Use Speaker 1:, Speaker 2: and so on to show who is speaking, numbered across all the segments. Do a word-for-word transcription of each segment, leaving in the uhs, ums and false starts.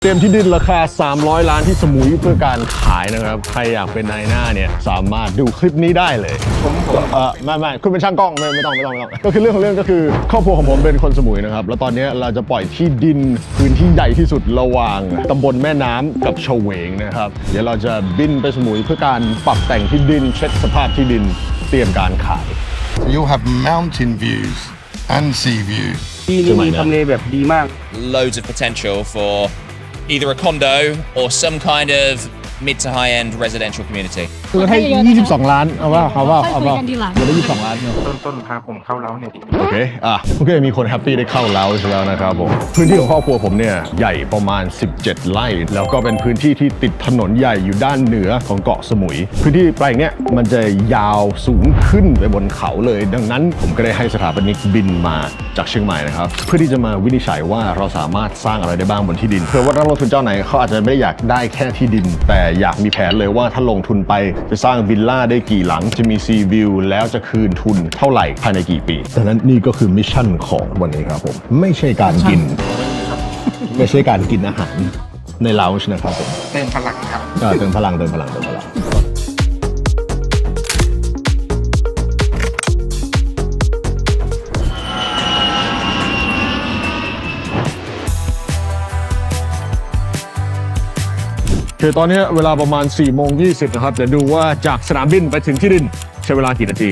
Speaker 1: เตรียมที่ดินราคาสามร้อยล้านที่สมุยเพื่อการขายนะครับใครอยากเป็นนายหน้าเนี่ยสามารถดูคลิปนี้ได้เลยผมเออไม่ไม่คุณเป็นช่างกล้องไม่ไม่ต้องไม่ต้องไม่ต้องก็คือเรื่องของเรื่องก็คือครอบครัวของผมเป็นคนสมุยนะครับแล้วตอนนี้เราจะปล่อยที่ดินพื้นที่ใหญ่ที่สุดระหว่างตำบลแม่น้ำกับเฉวงนะครับเดี๋ยวเราจะบินไปสมุยเพื่อการปรับแต่งที่ดินเช็คสภาพที่ดินเตรียมการขาย
Speaker 2: So you'll have mountain views and sea views
Speaker 3: ที่นี่มีทำเลแบบดีมาก
Speaker 4: Loads of potential for either a condo or some kind of mid to high end residential community
Speaker 1: คือให้ยี่สิบสองล้านเอาว่าเอาว่าเอาว่า
Speaker 5: ค่อยคุยกันทีหลัง
Speaker 1: เดี๋ยวได้ยี่สิบสองล้านเนาะ
Speaker 3: ต้นต้นพาผมเข้าเล้าเนี่ยดิ
Speaker 1: โอเค อ่ะ โอเค มีคนแฮปปี้ได้เข้าแล้วใช่แล้วนะครับผม พื้นที่ของครอบครัวผมเนี่ยใหญ่ประมาณสิบเจ็ดไร่ แล้วก็เป็นพื้นที่ที่ติดถนนใหญ่อยู่ด้านเหนือของเกาะสมุย พื้นที่แปลงเนี้ยมันจะยาวสูงขึ้นไปบนเขาเลย ดังนั้นผมก็ได้ให้สถาปนิกบินมาจากเชียงใหม่นะครับ เพื่อที่จะมาวินิจฉัยว่าเราสามารถสร้างอะไรได้บ้างบนที่ดิน เพื่อว่านักลงทุนเจ้าไหนเขาอาจจะไม่ได้อยากได้แค่ที่ดิน แต่อยากมีแผนเลยว่าถ้าลงทุนไปจะสร้างวิลล่าได้กี่หลังจะมีซีวิวแล้วจะคืนทุนเท่าไหร่ภายในกี่ปีดังนั้นนี่ก็คือมิชชั่นของวันนี้ครับผมไม่ใช่การกิน ไม่ใช่การกินอาหารในลาวช์นะครับผม
Speaker 3: เติมพลังครับ
Speaker 1: เออเติมพลังเติมพลังเติมพลังคือตอนนี้เวลาประมาณสี่โมงยี่สิบนะครับเดี๋ยวดูว่าจากสนามบินไปถึงที่ดินใช้เวลากี่นาที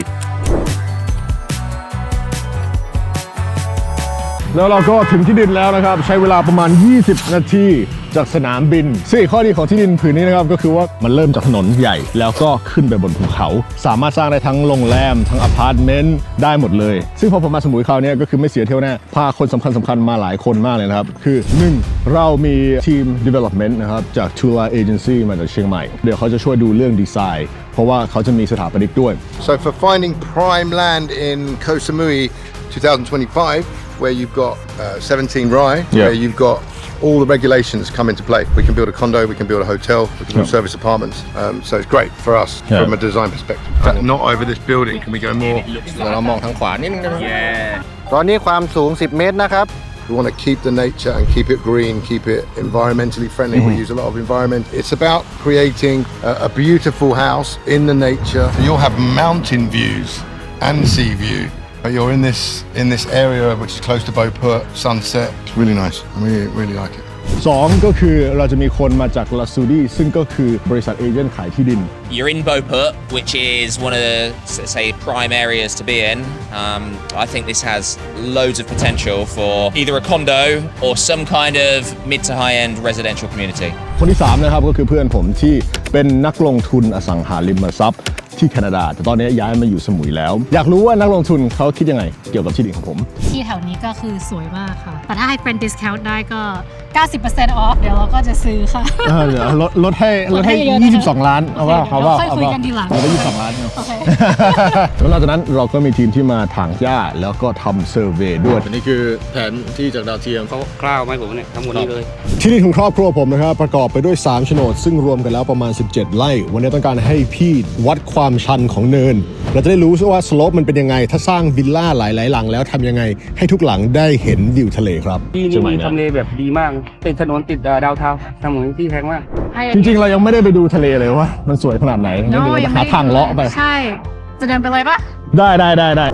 Speaker 1: แล้วเราก็ถึงที่ดินแล้วนะครับใช้เวลาประมาณยี่สิบนาทีจากสนามบินซึ่งข้อดีของที่ดินผืนนี้นะครับก็คือว่ามันเริ่มจากถนนใหญ่แล้วก็ขึ้นไปบนภูเขาสามารถสร้างได้ทั้งโรงแรมทั้งอพาร์ตเมนต์ได้หมดเลยซึ่งพอผมมาสมุยคราวนี้ก็คือไม่เสียเที่ยวแน่พาคนสำคัญสำคัญมาหลายคนมากเลยนะครับคือหนึ่งเรามีทีม development นะครับจาก Tula Agency มาจากเชียงใหม่เดี๋ยวเขาจะช่วยดูเรื่องดีไซน์เพราะว่าเขาจะมีสถาปนิกด้วย
Speaker 2: So for finding prime land in Koh Samui twenty twenty-five where you've got uh, seventeen Rai
Speaker 1: Yeah.
Speaker 2: where you've got all the regulations come into play. We can build a condo, we can build a hotel, we can build
Speaker 1: Yeah.
Speaker 2: service apartments. Um, so it's great for us
Speaker 1: Yeah.
Speaker 2: from a design perspective. In fact, not over this building. Can we go more?
Speaker 1: เรามองทางขวานิดนึงได้ไหม
Speaker 3: ตอนนี้ความสูงสิบเมตรนะครับ
Speaker 2: We want to keep the nature and keep it green, keep it environmentally friendly. We use a lot of environment. It's about creating a, a beautiful house in the nature. So you'll have mountain views and sea view. But you're in this in this area which is close to Beauport, sunset. It's really nice. I really, really like it.
Speaker 1: สองก็คือเราจะมีคนมาจากลาซูดีซึ่งก็คือบริษัทเอเจนต์ขายที่ดิน
Speaker 4: You're in Beauport, which is one of the, say, prime areas to be in. Um, I think this has loads of potential for either a condo or some kind of mid to high end residential community.
Speaker 1: คนที่สามนะครับก็คือเพื่อนผมที่เป็นนักลงทุนอสังหาริมทรัพย์ที่แคนาดาแต่ตอนนี้ย้ายมาอยู่สมุยแล้วอยากรู้ว่านักลงทุนเขาคิดยังไงเกี่ยวกับที่ดินของผม
Speaker 5: ที่แถวนี้ก็คือสวยมากค่ะ แต่ถ้าให้เป็น discount ได้ก็ เก้าสิบเปอร์เซ็นต์ off เดี๋ยวเราก็จะซื้อค่ะ
Speaker 1: เออเดี๋ยวลดลดให้ลดให้
Speaker 5: ลดให้เยอะนะคะ
Speaker 1: ยี่สิบสองล้านเอาว่า
Speaker 5: โอเค
Speaker 1: เอาว่า
Speaker 5: เดี๋ยวค่อย
Speaker 1: เอา
Speaker 5: คุย
Speaker 1: ว่า
Speaker 5: กันทีหลัง
Speaker 1: เราได้ยี่สิบสองล้านเนาะ
Speaker 5: โอเค
Speaker 1: แล้วหลังจากนั้นเราก็มีทีมที่มาถางหญ้าแล้วก็ทำเซอร์เวย์ด้วยอันนี้คือแผนที่จากดาวเทียม
Speaker 3: เขากล้าวไหมผมเนี่ยทั้งหมดนี้เลย
Speaker 1: ที่ดินของครอบครัวผมนะครับประกอบไปด้วยสามโฉนดซึ่งรวมกันแล้วประมาณสิบเจ็ดไร่วันนี้ต้องการให้พี่วัดความชันของเนินเราจะได้รู้ว่าสโลปมันเป็นยังไงถ้าสร้างวิลล่าหลายๆหลังแล้วทำยังไงให้ทุกหลังได้เห็นวิวทะเลครับ
Speaker 3: ที่นี่มีทำเลแบบดีมากติดถนนติดดาวเทาสมุยที่แพงมาก
Speaker 1: จริงๆเรายังไม่ได้ไปดูทะเลเลยว่ามันสวยขนาดไหนงั้นเดี๋ยวเราหาทางเลาะไป
Speaker 5: ใช่ จะเดินไปเลยปะ
Speaker 1: ได้ได้ได้ได้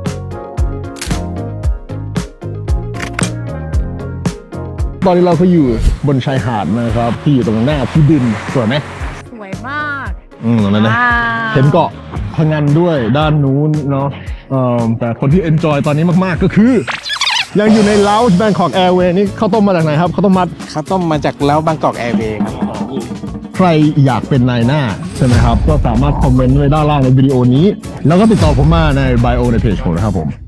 Speaker 1: ตอนนี้เราก็อยู่บนชายหาดนะครับที่อยู่ตรงหน้าที่ดินสวยไหม
Speaker 5: สวยมาก
Speaker 1: อืมตรงนั้นนะ
Speaker 5: ว้าว
Speaker 1: เห็นเกาะพังงานด้วยด้านนู้นเนาะเอ่อแต่คนที่เอนจอยตอนนี้มากๆก็คือ ยังอยู่ในลาวแบงคอกแอร์เวย์นี่ข้าวต้มมาจากไหนครับข้าวต้มมัด
Speaker 3: ข้าวต้มมาจากเล้าบางกอกแอร์เวย์ครับ
Speaker 1: ใครอยากเป็นนายหน้าใช่ไหมครับก็สามารถคอมเมนต์ไว้ด้านล่างในวิดีโอนี้ แล้วก็ติดต่อผมมาในไบโอในเพจผมนะครับผม